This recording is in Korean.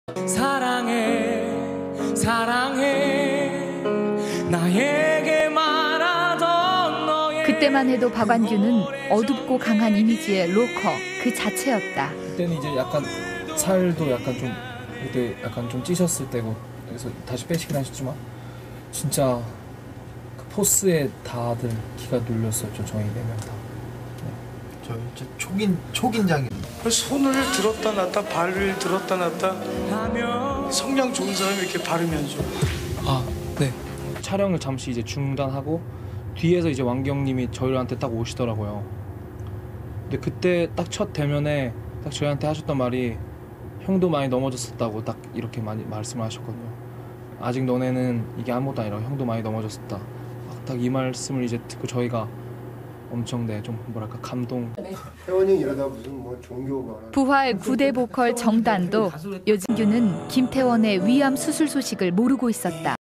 사랑해 사랑해 나에게 말하던 너의 그때만 해도 박완규는 어둡고 강한 이미지의 로커 그 자체였다. 그때는 이제 약간 살도 약간 좀 그때 약간 좀 찌셨을 때고 그래서 다시 빼시긴 하셨지만 진짜 그 포스에 다들 기가 눌렸었죠. 저희 4명 다. 저 진짜 초긴장이에요. 손을 들었다 놨다 발을 들었다 놨다 하며 성량 좋은 사람이 이렇게 발음해야죠. 아, 네. 촬영을 잠시 이제 중단하고 뒤에서 이제 왕경님이 저희한테 딱 오시더라고요. 근데 그때 딱 첫 대면에 딱 저희한테 하셨던 말이 형도 많이 넘어졌었다고 딱 이렇게 많이 말씀을 하셨거든요. 아직 너네는 이게 아무것도 아니라 형도 많이 넘어졌었다. 딱 이 말씀을 이제 듣고 저희가 엄청 좀 뭐랄까 감동. 태원이 이러다 무슨 뭐 종교 말하는. 부활 9대 보컬 정단도 요진규는 김태원의 위암 수술 소식을 모르고 있었다.